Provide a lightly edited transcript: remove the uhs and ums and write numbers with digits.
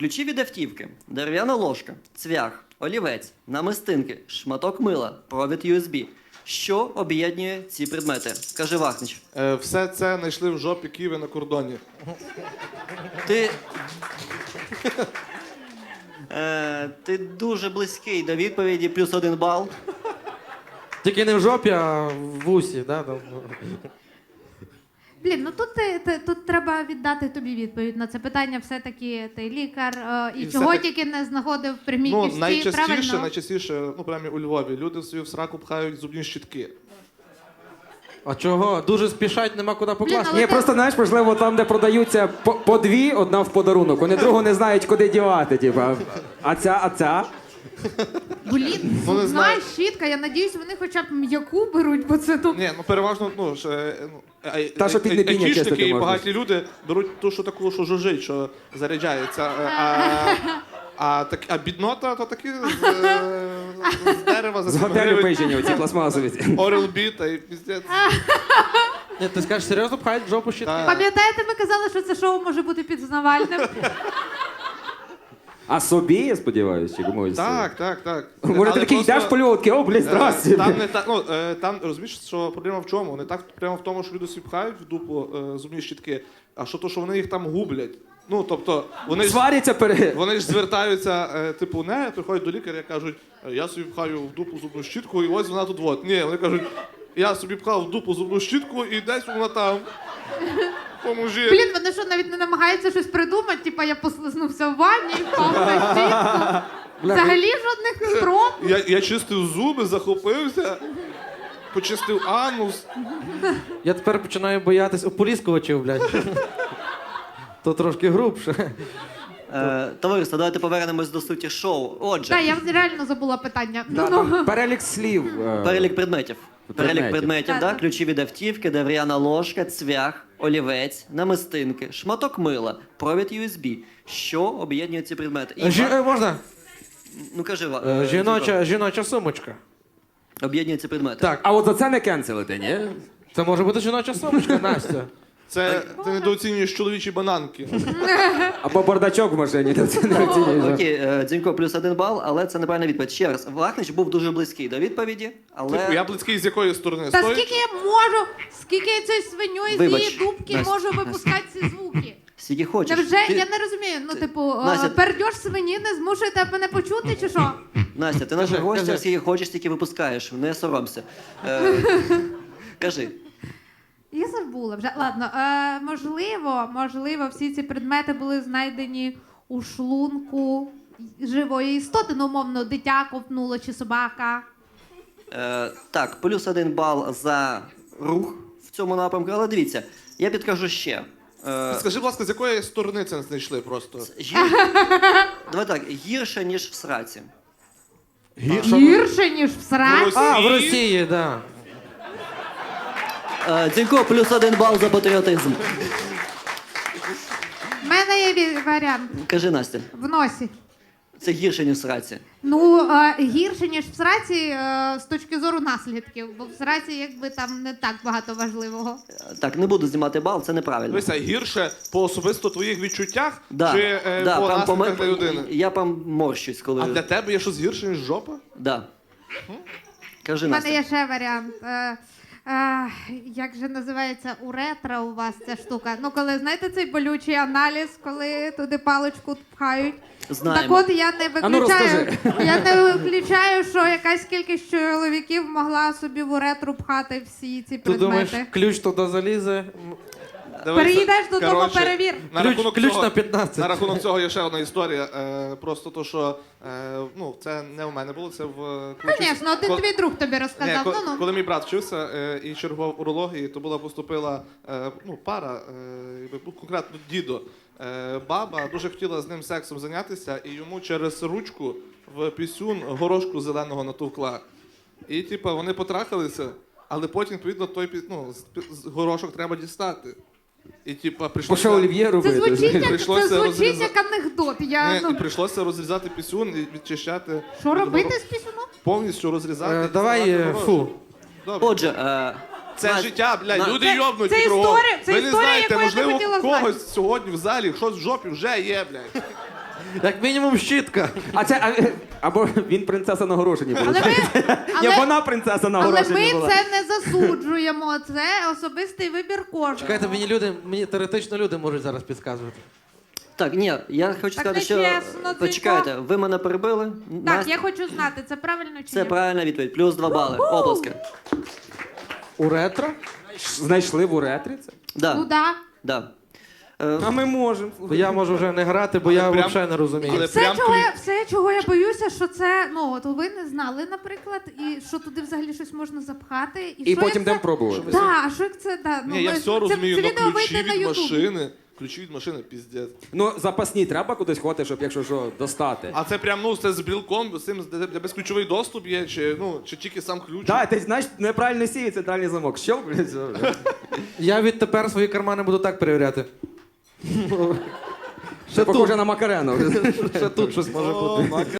Ключі від автівки, дерев'яна ложка, цвях, олівець, намистинки, шматок мила, провід USB. Що об'єднує ці предмети? Каже Вахнич. Все це знайшли в жопі Києва на кордоні. Ти дуже близький до відповіді, плюс 1 бал. Тільки не в жопі, а в усі, да? Там. Блін, ну тут треба віддати тобі відповідь на це питання. Все-таки ти лікар, і І чого все-таки- тільки не знаходив в прямій Ну, кишці, найчастіше, правильно? ну, прямо у Львові, люди собі в сраку пхають зубні щітки. А чого? Дуже спішать, нема куди покласти. але Ні, просто знаєш, можливо, там, де продаються по дві, одна в подарунок. Вони другу не знають, куди дівати. Типа. А ця? Блін, Ну, не зубна знаю. щітка, я надіюсь, вони хоча б м'яку беруть, бо це тут... Ні, ну переважно, Та, що під непіння чистити айтішники і можна. багаті люди беруть ту, що таку, що жужжить, що заряджається. А біднота, то такі з дерева за З 7 готелю гривень. пижені, оці пластмасові. Oral-B та і піздець. Ні, ти скажеш, серйозно пхають в жопу щитки? Так. Пам'ятаєте, ми казали, що це шоу може бути пізнавальним? А собі, я сподіваюся, чи комусь? Так. Може, ти Але такий просто, йдеш по льотки, о, блядь, здрасте. Там не так, там розумієш, що проблема в чому? Не так прямо в тому, що люди собі пхають в дупу зубні щітки, а що то, що вони їх там гублять. Ну, тобто, Сваряться вони ж звертаються, типу, не, приходять до лікаря і кажуть, я собі пхаю в дупу зубну щітку, і ось вона тут вот. Ні, вони кажуть, я собі пхав в дупу зубну щітку, і десь вона там. Поможи. Блін, вони що, навіть не намагаються щось придумати, типа я послизнувся в ванні і впав на щітку. Взагалі жодних спроб. Я чистив зуби, захопився, почистив анус. Я тепер починаю боятись ополіскувачів, блядь. То трошки грубше. Товариство, давайте повернемось до суті шоу. Отже, Так, я реально забула питання. Да, там перелік слів. перелік предметів. Перелік предметів, Так. ключі від автівки, дерев'яна ложка, цвях, олівець, намистинки, шматок мила, провід USB. Що об'єднує ці предмети? Можна? Ну кажи, Жіноча сумочка. об'єднує ці предмети. Так, А от за це не кенселити, ні? це може бути жіноча сумочка, Настя. Це ти недооцінюєш чоловічі бананки. Або бардачок в машині, то це не оцінюєш. Окей, Дзінько плюс 1 бал, але це неправильна відповідь. Ще раз, Вахнич був дуже близький до відповіді, але... Типу, я близький з якої сторони? Та Стоїть? скільки я можу, скільки я цієї свиньої з Вибач, її дубки Настя, можу випускати ці звуки? Скільки хочеш. Невже, я не розумію, ну типу, Настя, пердьош свині не змушує тебе мене почути, чи що? Настя, ти наша Кажи, гостя, кажи. скільки хочеш, стільки випускаєш. Не соромся. Кажи. Я забула вже. Ладно, можливо, всі ці предмети були знайдені у шлунку живої істоти, ну, умовно, дитя ковтнуло чи собака. Так, плюс 1 бал за рух в цьому напрямку, але дивіться, я підкажу ще. Скажи, будь ласка, з якої сторони це знайшли просто? Давай так, гірше, ніж в сраці. Гірше, ніж в сраці. А, в Росії, так. Дзінько, плюс 1 бал за патріотизм. У мене є варіант Кажи, Настя, в носі. це гірше, ніж в сраці. Ну, гірше, ніж в сраці з точки зору наслідків, бо в сраці якби там не так багато важливого. Так, не буду знімати бал, це неправильно. Дивися, гірше по особисто твоїх відчуттях Да, чи да, по прям наслідках для людини? Я прям морщусь, коли... А для тебе є щось гірше, ніж жопа? Да. Кажи, У мене Настя. є ще варіант. Як же називається уретра у вас ця штука? Ну, коли, знаєте, цей болючий аналіз, коли туди паличку пхають? Знаємо. Так от я не А ну, виключаю, розкажи. я не виключаю, що якась кількість чоловіків могла собі в уретру пхати всі ці Ти предмети. думаєш, ключ туди залізе? Переїдеш додому, коротше, перевір. На Ключ- рахунок ключ цього, на 15. На рахунок цього є ще одна історія. Просто то, що ну, це не у мене було, це в Звісно, один твій друг тобі розказав. Ні, Ну-ну. коли мій брат вчився і чергував в урології, то була поступила пара, конкретно дідо. Баба дуже хотіла з ним сексом зайнятися, і йому через ручку в пісюн горошку зеленого натовкла. І типа вони потрахалися, але потім, відповідно, той горошок треба дістати. І типа По що прийшлося, олів'є Це робити? звучить, як, Прийшлося це звучить розрізати. як анекдот. Я, і ну, прийшлося розрізати пісюн і відчищати. що робити з пісюном? Повністю розрізати. Давай, діставати горошок. фу. Добре. Отже, Це Настя, життя, блядь, люди Це- йобнуті це кругом. історія- це Ви не історія, знаєте, яку я не можливо, хотіла в когось сьогодні в залі щось в жопі вже є, блядь. Як мінімум щітка. Або він принцеса на горошині була. Але ми, Ні, але, вона принцеса на але горошині ми була. це не засуджуємо. Це особистий вибір кожного. Чекайте, мені теоретично люди можуть зараз підказувати. Так, ні, я хочу Так сказати, що. нечесно, Дзюнько. Почекайте, ви мене перебили. Так, Настя, я хочу знати, це правильно чи це ні? правильна відповідь. Плюс 2 бали. Оплески. У ретро? Знайшли в уретрі це? Да, Ну да. да. А ми можемо. Бо я можу вже не грати, бо я прям- взагалі не розумію. але- Все прям чого я боюся, що це, ну, от ви не знали, наприклад, і що туди взагалі щось можна запхати. І що потім як це... йдемо пробувати. Так, а що як це, да, ну, Ні, я ми- все розумію, це але відео ключі вийде на від Ютуб. машини. Ключі від машини, піздець. Ну, запасні треба кудись ховати, щоб якщо що, достати. А це прям, ну, це з брілком, з цим, де безключовий доступ є, чи тільки сам ключ? Так, ти знаєш, неправильно сів і центральний замок. Що, блядь? все. Я відтепер свої кармани буду так перевіряти. Це похоже на Макарену. Ще тут щось може бути.